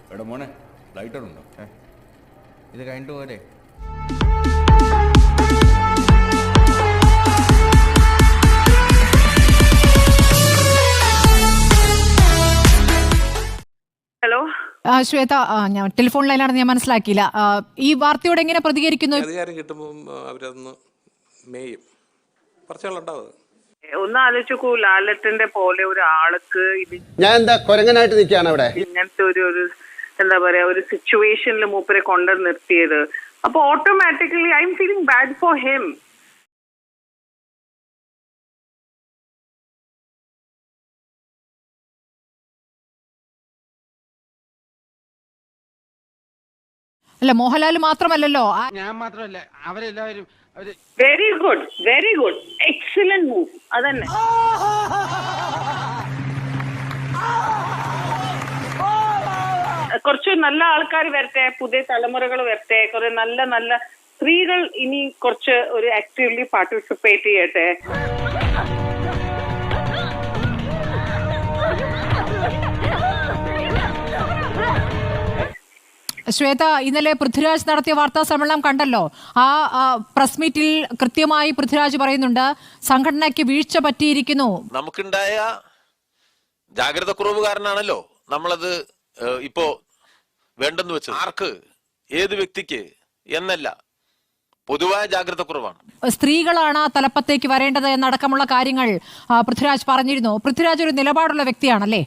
എടാ മോനെ ലൈറ്റർ ഉണ്ടോ? ഇത് കഴിഞ്ഞിട്ട് പോലെ. ഹലോ ശ്വേത, ഞാൻ ടെലിഫോൺ ലൈനാണെന്ന് ഞാൻ മനസ്സിലാക്കിയില്ല. ഈ വാർത്തയോട് എങ്ങനെ പ്രതികരിക്കുന്നു? അധികാരം കിട്ടുമ്പോൾ അവരതൊന്ന് മേയും പറച്ചുകളുണ്ടാവും. ഒന്ന് ആലോചിക്കൂ, ലാലറ്റന്റെ പോലെ ഒരാൾക്ക് ഞാൻ എന്താ കൊരങ്ങനായിട്ട് നിൽക്കുകയാണ് അവിടെ. ഇങ്ങനത്തെ ഒരു എന്താ പറയാ ഒരു സിറ്റുവേഷനിൽ മൂപ്പരെ കൊണ്ടു നിർത്തിയത്. അപ്പൊ automatically I am feeling bad for him. അല്ല, മോഹൻലാൽ മാത്രമല്ലല്ലോ. ഞാൻ മാത്രമല്ല, അവരെല്ലാവരും വെരി ഗുഡ് എക്സലന്റ് മൂവ്. അതന്നെ കുറച്ച് നല്ല ആൾക്കാർ വരട്ടെ, പുതിയ തലമുറകൾ വരട്ടെ, കുറെ നല്ല നല്ല സ്ത്രീകൾ ഇനി കുറച്ച് ഒരു ആക്റ്റീവ്ലി പാർട്ടിസിപ്പേറ്റ് ചെയ്യട്ടെ. ശ്വേത, ഇന്നലെ പൃഥ്വിരാജ് നടത്തിയ വാർത്താ സമ്മേളനം കണ്ടല്ലോ. ആ പ്രസ് മീറ്റിൽ കൃത്യമായി പൃഥ്വിരാജ് പറയുന്നുണ്ട്, സംഘടനയ്ക്ക് വീഴ്ച പറ്റിയിരിക്കുന്നു. നമുക്കുണ്ടായ ജാഗ്രത കുറവ് കാരണമാണല്ലോ നമ്മളത് ഇപ്പോ വേണ്ടെന്ന് വെച്ചത്. ആർക്ക്, ഏത് വ്യക്തിക്ക് എന്നല്ല, പൊതുവായ ജാഗ്രത കുറവാണ്. സ്ത്രീകളാണ് തലപ്പത്തേക്ക് വരേണ്ടത് എന്നടക്കമുള്ള കാര്യങ്ങൾ പൃഥ്വിരാജ് പറഞ്ഞിരുന്നു. പൃഥ്വിരാജ് ഒരു നിലപാടുള്ള വ്യക്തിയാണല്ലേ?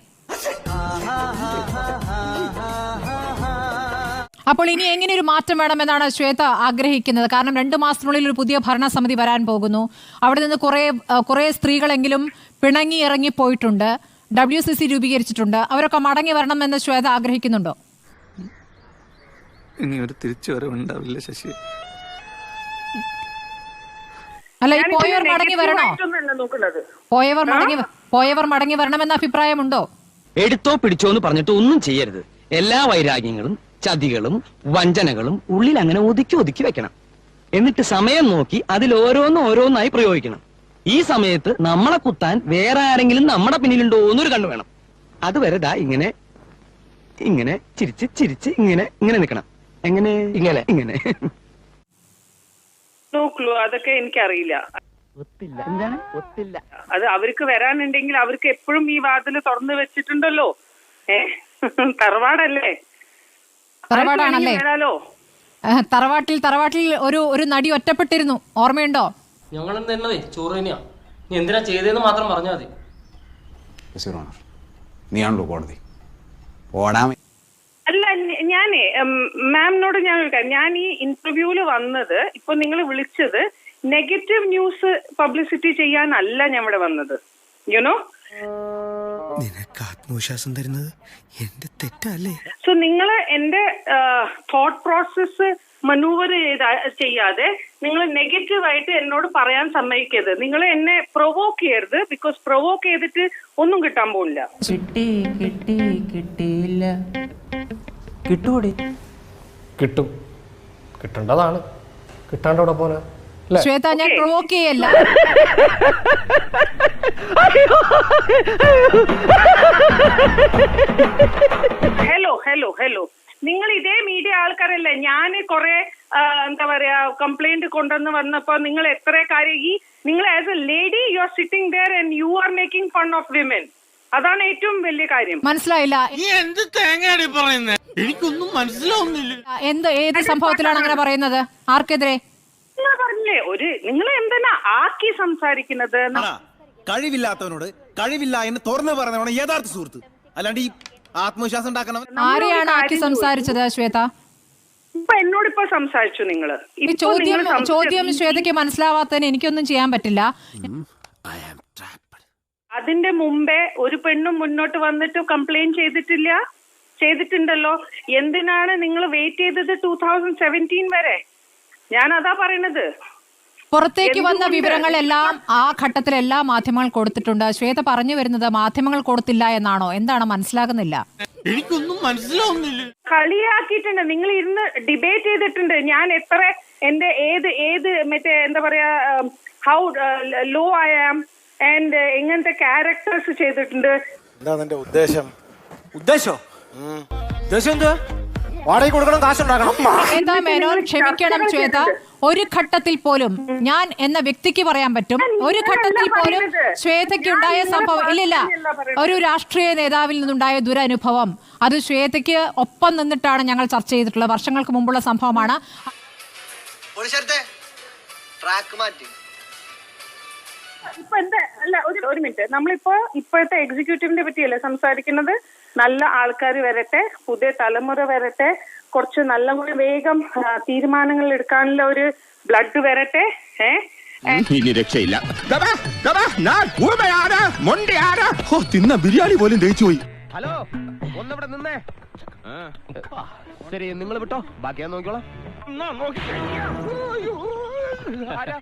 അപ്പോൾ ഇനി എങ്ങനെ ഒരു മാറ്റം വേണമെന്നാണ് ശ്വേത ആഗ്രഹിക്കുന്നത്? കാരണം 2 മാസത്തിനുള്ളിൽ ഒരു പുതിയ ഭരണസമിതി വരാൻ പോകുന്നു. അവിടെ നിന്ന് കുറെ സ്ത്രീകളെങ്കിലും പിണങ്ങി ഇറങ്ങി പോയിട്ടുണ്ട്. WCC രൂപീകരിച്ചിട്ടുണ്ട്. അവരൊക്കെ മടങ്ങി വരണമെന്ന് ശ്വേത ആഗ്രഹിക്കുന്നുണ്ടോ? ഇനി ഒരു തിരിച്ചുവരവുണ്ടാവില്ല ശശി. അല്ല, ഈ പോയവർ മടങ്ങി വരണോ? പോയവർ മടങ്ങി വരണമെന്ന അഭിപ്രായമുണ്ടോ? എടുത്തോ പിടിച്ചോ എന്ന് പറഞ്ഞിട്ട് ഒന്നും ചെയ്യരുത്. എല്ലാ വൈരാഗ്യങ്ങളും ചതികളും വഞ്ചനകളും ഉള്ളിൽ അങ്ങനെ ഒതുക്കി വെക്കണം. എന്നിട്ട് സമയം നോക്കി അതിൽ ഓരോന്നായി പ്രയോഗിക്കണം. ഈ സമയത്ത് നമ്മളെ കുത്താൻ വേറെ ആരെങ്കിലും നമ്മുടെ പിന്നിലുണ്ടോ എന്നൊരു കണ്ണു വേണം. അതുവരെ ദാ ഇങ്ങനെ ഇങ്ങനെ ചിരിച്ച് ഇങ്ങനെ നിൽക്കണം. എങ്ങനെ ഇങ്ങനെ നോക്കൂ, അതൊക്കെ എനിക്കറിയില്ല. അത് അവർക്ക് വരാനുണ്ടെങ്കിൽ അവർക്ക് എപ്പോഴും ഈ വാതിൽ തുറന്നു വെച്ചിട്ടുണ്ടല്ലോ. തറവാടല്ലേ? തറവാടാണല്ലേ? തറവാട്ടിൽ ഒരു നടി ഒറ്റപ്പെട്ടിരുന്നു, ഓർമ്മയുണ്ടോ? ഞങ്ങളും തന്നതേ ചോറ് തന്നെയാ. നീ എന്തിനാ ചെയ്തതെന്ന് മാത്രം പറഞ്ഞാൽ മതി. നീയാണല്ലോ കോടതി. ഓടാൻ അല്ല, ഞാനേ മാമിനോട് ഞാൻ ഈ ഇന്റർവ്യൂല് വന്നത്, ഇപ്പൊ നിങ്ങൾ വിളിച്ചത് നെഗറ്റീവ് ന്യൂസ് പബ്ലിസിറ്റി ചെയ്യാനല്ല ഞാൻ ഇവിടെ വന്നത്. യുനോ, നിനക്ക് ആത്മവിശ്വാസം തരുന്നത് എന്റെ തെറ്റല്ലേ? സോ നിങ്ങള് എന്റെ തോട്ട് പ്രോസസ് മനൂവർ ചെയ്യാതെ നിങ്ങൾ നെഗറ്റീവായിട്ട് എന്നോട് പറയാൻ സമ്മതിക്കരുത്. നിങ്ങൾ എന്നെ പ്രൊവോക്ക് ചെയ്യരുത്. ബിക്കോസ് പ്രൊവോക്ക് ചെയ്തിട്ട് ഒന്നും കിട്ടാൻ പോകില്ല. കിട്ടിയില്ല. കിട്ടൂടി, കിട്ടും. കിട്ടേണ്ടതാണ്. കിട്ടാണ്ടവിടെ പോനാ. ശ്വേത, ഞാൻ പ്രൊവോക്ക് ചെയ്യല്ല. ഹലോ നിങ്ങൾ ഇതേ മീഡിയ ആൾക്കാരല്ലേ? ഞാൻ കുറെ എന്താ പറയാ കംപ്ലൈന്റ് കൊണ്ടുവന്ന് വന്നപ്പോ നിങ്ങൾ എത്ര കാര്യം നിങ്ങൾ as a lady you are sitting there and you are making fun of women. അതാണ് ഏറ്റവും വലിയ കാര്യം. മനസ്സിലായില്ല. എന്ത് തേങ്ങയാണ് പറയുന്നത്? എനിക്കൊന്നും മനസ്സിലാവുന്നില്ല. ഏത് സംഭവത്തിലാണ് അങ്ങനെ പറയുന്നത്? ആർക്കെതിരെ? നിങ്ങൾ പറഞ്ഞില്ലേ നിങ്ങൾ എന്തിനാ ആക്കി സംസാരിക്കുന്നത്? കഴിവില്ലാത്തവനോട് കഴിവില്ല എന്ന് തുറന്നു പറഞ്ഞവനാണ് യഥാർത്ഥ സുഹൃത്ത്. അല്ലാണ്ട് ഈ ആത്മവിശ്വാസം ഉണ്ടാക്കണം. ആരെയാണ് ആക്കി സംസാരിച്ചത് ശ്വേത? ഇപ്പൊ എന്നോടിപ്പോ സംസാരിച്ചു നിങ്ങള്. ചോദ്യം ശ്വേതയ്ക്ക് മനസ്സിലാവാത്തതിന് എനിക്കൊന്നും ചെയ്യാൻ പറ്റില്ല. അതിന്റെ മുമ്പേ ഒരു പെണ്ണും മുന്നോട്ട് വന്നിട്ട് കംപ്ലൈന്റ് ചെയ്തിട്ടുണ്ടല്ലോ. എന്തിനാണ് നിങ്ങൾ വെയിറ്റ് ചെയ്തത് 2017 വരെ? ഞാൻ അതാ പറയണത്. പുറത്തേക്ക് വന്ന വിവരങ്ങളെല്ലാം ആ ഘട്ടത്തിലെല്ലാം മാധ്യമങ്ങൾ കൊടുത്തിട്ടുണ്ട്. ശ്വേത പറഞ്ഞു വരുന്നത് മാധ്യമങ്ങൾ കൊടുത്തില്ല എന്നാണോ? എന്താണ് മനസ്സിലാകുന്നില്ല? എനിക്കൊന്നും മനസ്സിലാവുന്നില്ല. കളിയാക്കിയിട്ടുണ്ട്. നിങ്ങൾ ഇരുന്ന് ഡിബേറ്റ് ചെയ്തിട്ടുണ്ട്. ഞാൻ എത്ര എന്റെ ഏത് മറ്റേ എന്താ പറയാ how low I am and എങ്ങനത്തെ ക്യാരക്ടേഴ്സ് ചെയ്തിട്ടുണ്ട്. എന്താ നിന്റെ ഉദ്ദേശം? വാടകയ്ക്ക് കൊടുക്കണം, കാശുണ്ടാക്കണം. ശ്വേത മേനോൻ, ക്ഷമിക്കണം ശ്വേത, ഒരു ഘട്ടത്തിൽ പോലും ഞാൻ എന്ന വ്യക്തിക്ക് പറയാൻ പറ്റും, ഒരു ഘട്ടത്തിൽ പോലും ശ്വേതയ്ക്ക് ഉണ്ടായ സംഭവം ഇല്ലില്ല, ഒരു രാഷ്ട്രീയ നേതാവിൽ നിന്നുണ്ടായ ദുരനുഭവം അത് ശ്വേതയ്ക്ക് ഒപ്പം നിന്നിട്ടാണ് ഞങ്ങൾ ചർച്ച ചെയ്തിട്ടുള്ളത്. വർഷങ്ങൾക്ക് മുമ്പുള്ള സംഭവമാണ്. ഇപ്പൊ എന്താ അല്ല ഒരു മിനിറ്റ്, നമ്മളിപ്പോ ഇപ്പോഴത്തെ എക്സിക്യൂട്ടീവിനെ പറ്റിയല്ലേ സംസാരിക്കുന്നത്. നല്ല ആൾക്കാർ വരട്ടെ, പുതിയ തലമുറ വരട്ടെ, കുറച്ച് നല്ല കൂടി വേഗം തീരുമാനങ്ങൾ എടുക്കാനുള്ള ഒരു ബ്ലഡ് വരട്ടെ. ഇനി രക്ഷയില്ല. തിന്ന ബിരിയാണി പോലും ദഹിച്ചു പോയി. ഹലോ, ഒന്നിവിടെ നിന്നേ. ശരി, നിങ്ങൾ വിട്ടോ, ബാക്കി ഞാൻ നോക്കിക്കോളാം.